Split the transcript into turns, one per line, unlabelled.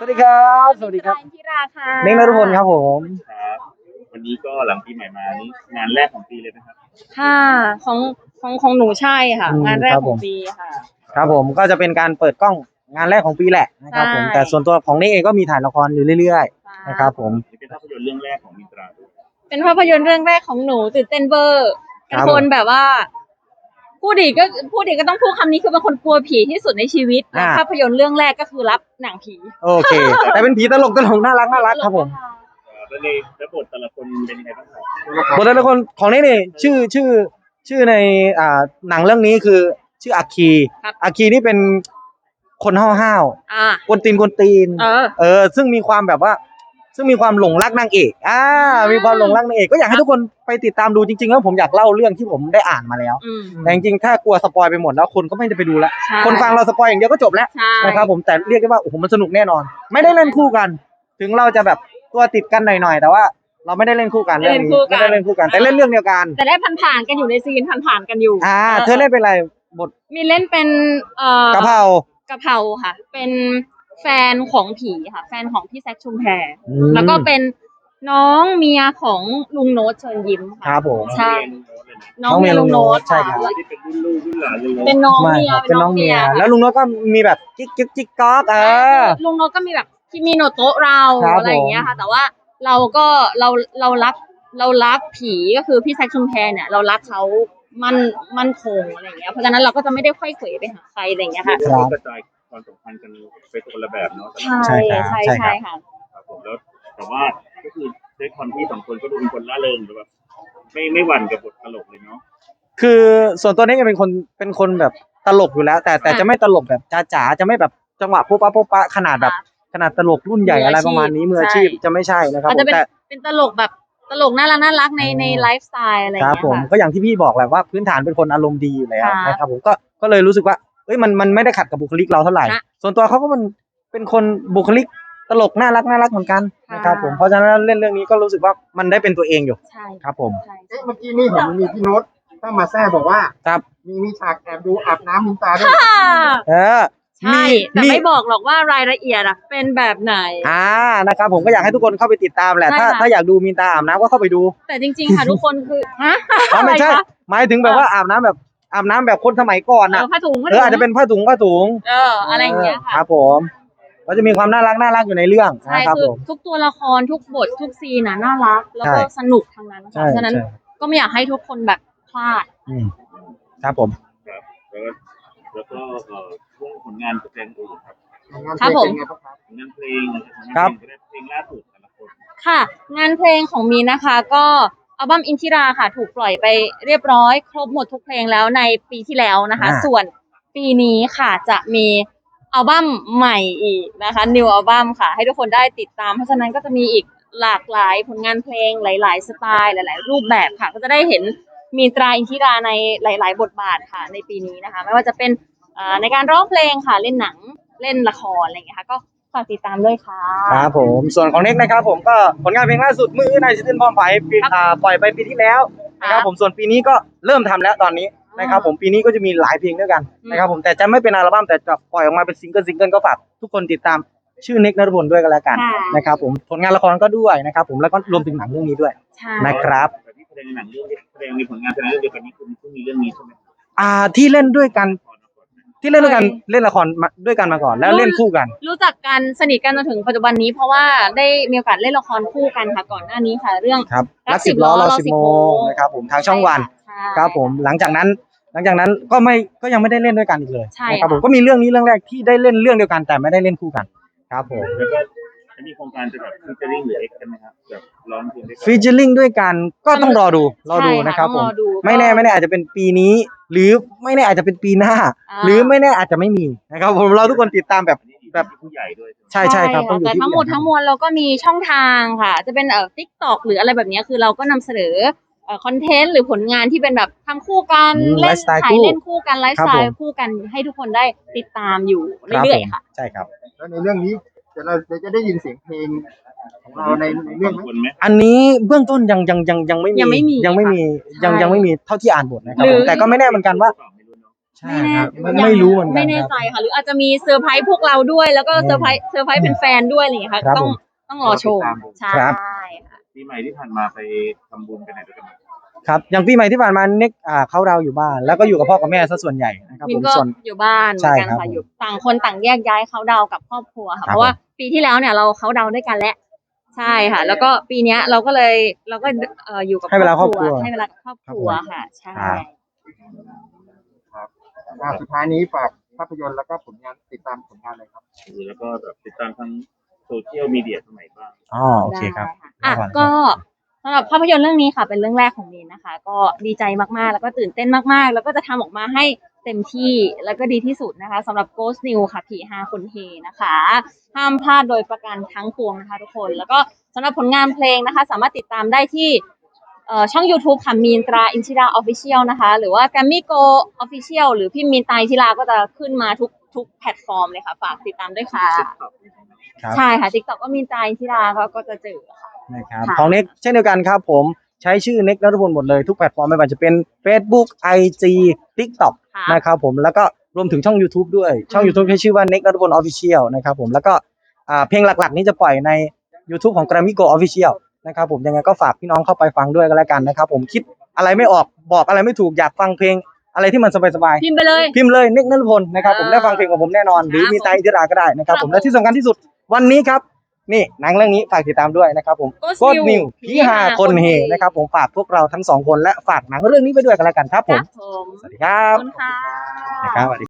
สวัสดีครับสวัสดีครับ
ที่ราค่ะ
เน่งนฤพลครับผม
ครับวันนี้ก็หลังปีใหม่มานี่งานแรกของปีเลยนะครับ
ค่ะของหนูใช่ค่ะงานแรกของปีค่ะ
ครับผมก็จะเป็นการเปิดกล้องงานแรกของปีแหละนะครับผมแต่ส่วนตัวของเน่งเองก็มีถ่ายละครอยู่เรื่อยๆนะครับผม
นี่เป็นภาพยนตร์เรื่องแรกของมินตราด้วย
เป็นภาพยนตร์เรื่องแรกของหนูตื่นเต้นเบอร์เป็นคนแบบว่าพูดดีก็ต้องพูดคำนี้คือเป็นคนกลัวผีที่สุดในชีวิตและภาพยนตร์เรื่องแรกก็คือรับหนังผี
โอเคแต่เป็นผีตลกน่ารักครับผม
แล้วในแล้วบทแต่ละคนเป็นยังไงบ้างครับ
บทแต่ละคนของเน่งนี่ชื่อในหนังเรื่องนี้คือชื่ออาคีนี่เป็นคนห้าวๆกวนตีนซึ่งมีความแบบว่าซึ่งมีความหลงรักนางเอกมีความหลงรักนางเอกก็อยากให้ทุกคนไปติดตามดูจริงๆแล้วผมอยากเล่าเรื่องที่ผมได้อ่านมาแล้วแต่จริงๆถ้ากลัวสปอยไปหมดแล้วคนก็ไม่ได้ไปดูแล้วคนฟังเราสปอยอย่างเดียวก็จบแล้วนะครับผมแต่เรียกได้ว่าโอ้โหมันสนุกแน่นอนไม่ได้เล่นคู่กันถึงเราจะแบบตัวติดกันหน่อยๆแต่ว่าเราไม่ได้เล่นคู่กันเรื่องนี้ไม่ได้เล่นคู่กันแต่เล่นเรื่องเดียวกัน
แต่ได้ผ่านๆกันอยู่ในซีนผ่านๆกันอยู่
เธอเล่นเป็นอะไรบท
มีเล่นเป็น
กะเพ
ราค่ะเป็นแฟนของผีค่ะแฟนของพี่แซคชุมแพแล้วก็เป็นน้องเมียของลุงโน้ตเชิญยิ้มค่ะ
ครับผม
ใช่น้องเมียลุงโน้ต
ใช่ครับ
ที่เป็นรุ่นลูกรุ่นหลานเลย
เป็นน้องเมีย
แล้วลุงโน้ตก็มีแบบจิ๊กก๊อก
ลุงโน้ตก็มีแบบที่มีโนโตะเราอะไรอย่างเงี้ยค่ะแต่ว่าเราก็เรารักผีก็คือพี่แซคชุมแพเนี่ยเรารักเขามั่นคงอะไรอย่างเงี้ยเพราะฉะนั้นเราก็จะไม่ได้ค่อยเขวไปหาใครอะไรอย่างเงี้ยค่ะ
กระจายความสัมพันธ์กันไปคนละแบบเนาะ
ใช่ค่ะ
ครับผมแล้วแต่ว่าก็คือด้วยความที่สองคนก็ดูเป็นคนล่าเริงแบบไม่หวั่นกับบทตลกเลยเนาะ
คือส่วนตัวนี้จะเป็นคนแบบตลกอยู่แล้วแต่จะไม่ตลกแบบจ๋าจะไม่แบบจังหวะปุ๊บปะขนาดตลกรุ่นใหญ่อะไรประมาณนี้มืออาชีพจะไม่ใช่นะครับ
แต่เป็นตลกแบบตลกน่ารักในไลฟ์สไตล์อะไรอย่างเงี้ย
ครับผมก็อย่างที่พี่บอกแหละว่าพื้นฐานเป็นคนอารมณ์ดีอยู่แล้วนะครับผมก็เลยรู้สึกว่าเอ้ยมันไม่ได้ขัดกับบุคลิกเราเท่าไหร่ส่วนตัวเขาก็มันเป็นคนบุคลิกตลกน่ารักเหมือนกันนะครับผมเพราะฉะนั้นเล่นเรื่องนี้ก็รู้สึกว่ามันได้เป็นตัวเองอยู่ครับผม
เมื่อกี้นี่เห็นมีพี่โน้ตเข้ามาแซ่บอกว่า
ครับ
มีฉากแอบดูอาบน้ำมินตาด้วย
ใช่แต่ไม่บอกหรอกว่ารายละเอียดเป็นแบบไหน
นะครับผมก็อยากให้ทุกคนเข้าไปติดตามแหละถ้าอยากดูมินตาอาบน้ำก็เข้าไปดู
แต่จริงๆค่ะทุกคนคือ
ไม่ใช่หมายถึงแบบว่าอาบน้ำแบบคนสมัยก่อน
ผ้าถุง
อาจจะเป็นผ้าถุง
อะไรอย่างเงี้ยค่ะ
ครับผมก็จะมีความน่ารักอยู่ในเรื่อง
นะครับผมทุกตัวละครทุกบททุกซีนน่ารักแล้วก็สนุกทั้งนั้นเพราะฉะนั้นก็ไม่อยากให้ทุกคนแบบพลาด
ครับผม
แล้วก็ช่วงผลงานแสดงอื่น
ครับผม
งานเพลงเพลงล่าสุดแต่ละคน
ค่ะงานเพลงของมีนะคะก็อัลบั้มอินทิราค่ะถูกปล่อยไปเรียบร้อยครบหมดทุกเพลงแล้วในปีที่แล้วนะคะส่วนปีนี้ค่ะจะมีอัลบั้มใหม่อีกนะคะ New อัลบั้มค่ะให้ทุกคนได้ติดตามเพราะฉะนั้นก็จะมีอีกหลากหลายผลงานเพลงหลายๆสไตล์หลายๆรูปแบบค่ะก็จะได้เห็นมีตราอินทิราในหลายๆบทบาทค่ะในปีนี้นะคะไม่ว่าจะเป็นในการร้องเพลงค่ะเล่นหนังเล่นละครอะไรอย่างเงี้ยค่ะก็ฝากติดตามด้วยค่ะ
ครับผมส่วนของเน็กนะครับผมก็ผลงานเพลงล่าสุดมือในซิตินพร้อมไฟปล่อยไปปีที่แล้วนะครับผมส่วนปีนี้ก็เริ่มทำแล้วตอนนี้นะครับผมปีนี้ก็จะมีหลายเพลงด้วยกันนะครับผมแต่จะไม่เป็นอัลบั้มแต่จะปล่อยออกมาเป็นซิงเกิลก็ฝากทุกคนติดตามชื่อเน็กนฤพลด้วยกันแล้วกันนะครับผมผลงานละครก็ด้วยนะครับผมแล้วก็รวมถึงหนังเรื่องนี้ด้วยนะครับ
ที่แสดงในหนังเรื่องแสดงในผลงานแสดงเรื่องเดียวกันนี้คุณเพิ่งมีเรื่องนี้ใช่ไหม
ที่เล่นด้วยกันเล่นละครด้วยกันมาก่อนแล้วเล่นคู่กัน
รู้จักกันสนิทกันจนถึงปัจจุบันนี้เพราะว่าได้มีโอกาสเล่นละครคู่กันค่ะก่อนหน้านี้ค่ะเรื่อง
รัก10 ล้อรอ10 โมงนะครับผมทางช่องวันครับผมหลังจากนั้นก็ยังไม่ได้เล่นด้วยกันอีกเลยนะครับผมก็มีเรื่องนี้เรื่องแรกที่ได้เล่นเรื่องเดียวกันแต่ไม่ได้เล่นคู่กันครับผม
แล้วก็มีโครงการจะแบบฟีเจอริ่งหรือเอ็กซ์กันไหมครับแบบร้องเพลงด้วยกัน
ฟีเจอริ่งด้วยกันก็ต้องรอดูนะครับผมไม่แน่อาจจะเป็นปีนี้หรือไม่แน่อาจจะเป็นปีหน้าหรือไม่แน่อาจจะไม่มีนะครับผมเราทุกคนติดตามแบบ
ผู้ใหญ่ด้วย
ใช่ครับต้องอยู่
ที่แต่ทั้งหมดเราก็มีช่องทางค่ะจะเป็นTikTok หรืออะไรแบบนี้คือเราก็นำเสนอคอนเทนต์หรือผลงานที่เป็นแบบทำคู่กันเล่นถ่ายเล่นคู่กันไลฟ์สไตล์คู่กันให้ทุกคนได้ติดตามอยู่เรื่อยๆค่ะ
ใช่ครับ
แล้วในเรื่องนี้เราจะได้ยินเสียงเพลงของเราในเรื่องไหม
อันนี้เบื้องต้นยังไม่มีเท่าที่อ่านบทนะครับแต่ก็ไม่แน่เหมือนกันว่าใช่ครับไม่รู้เหมือนกัน
ไม่แน่ใจค่ะ หรืออาจจะมีเซอร์ไพรส์พวกเราด้วย แล้วก็เซอร์ไพรส์เป็นแฟนด้วยอะไรอย่างเงี้ยค่ะ
ครับ
ต้องรอชมใช่
ครับ
ค่ะ
ปีใหม่ที่ผ่านมาไปทำบุญกันไหนด้วยกันบ้าง
ครับอย่างปีใหม่ที่ผ่านมาเน็กเขาดาวน์อยู่บ้านแล้วก็อยู่กับพ่อกับแม่ซะส่วนใหญ่นะครับ
มิ
ผ
น
ม
ก็
ส่วน
อยู่บ้านเหมื
ใช่
อนกัน
ครับ
ค่ะอยู่ต่างคนต่างแยกย้ายเขาดาวน์กับครอบครัว
ครั
ค่ะ
บ
เพราะว่าปีที่แล้วเนี่ยเราเขาดาวน์ด้วยกันแล้วใช่ค่ะ แล้วก็ปีเนี้ยเราก็อยู่กับ
ให้เวลาครอบครัว
ให้เวลากับครอบครัวค่ะ ใช่
ครับ
ครับสุดท้ายนี้ฝากภาพยนตร์แล้วก็ผลงานติดตามผลงานเลยครับ
แล้วก็แบบติดตามทั้งโซเชียลมีเดียสมัยบ้าง
อ๋อโอเคครับ
ได้ค่ะก็สำหรับภาพยนตร์เรื่องนี้ค่ะ เป็นเรื่องแรกของมีนนะคะ ก็ดีใจมากๆ แล้วก็ตื่นเต้นมากๆ แล้วก็จะทำออกมาให้เต็มที่แล้วก็ดีที่สุดนะคะสำหรับ Ghost New ค่ะผีฮาคนเฮนะคะห้ามพลาดโดยประการทั้งปวงนะคะทุกคนแล้วก็สำหรับผลงานเพลงนะคะ สามารถติดตามได้ที่ช่อง YouTube ค่ะมีนตราอินทิรา Official นะคะหรือว่า Grammy Go Official หรือพี่มีนตราอินทิราก็จะขึ้นมาทุกแพลตฟอร์มเลยค่ะฝากติดตามด้วยค่ะ
ครับ
ใช่ค่ะ TikTok ก็มีนตราอินทิราก็จะเจอค่ะ
นะครับ
ค่ะ
ของเน็กเช่นเดียวกันครับผมใช้ชื่อเน็กณัฐพลหมดเลยทุกแพลตฟอร์มไม่ว่าจะเป็น Facebook IG TikTok
ค่ะ
นะครับผมแล้วก็รวมถึงช่อง YouTube ด้วยช่อง YouTube ใช้ชื่อว่าเน็กณัฐพล Official นะครับผมแล้วก็เพลงหลักๆนี้จะปล่อยใน YouTube ของ Grammy Go Official นะครับผมยังไงก็ฝากพี่น้องเข้าไปฟังด้วยกันแล้วกันนะครับผมคิดอะไรไม่ออกบอกอะไรไม่ถูกอยากฟังเพลงอะไรที่มันสบายๆ
พิมพ์ไปเลย
พิมพ์เลยเน็กณัฐพลนะครับผม
อ่า
ได้ฟังเพลงของผมแน่นอน หรือ
ครับ
มีไตรอินทิราก็ได้นะครับ
ค
ผ
รับ
มและที่สำคัญที่สุดวันนี้ครับนี่หนังเรื่องนี้ฝากติดตามด้วยนะครับผม
Ghost
Ghost
New
New ผีหาคนเฮนะครับผมฝากพวกเราทั้งสองคนและฝากหนังเรื่องนี้ไปด้วยกันแล้วกันครับ
ค
ผม
รับผม
สวัสดีครั
ขอ
บบ
คุณค่ะ
นะครับสวัสดี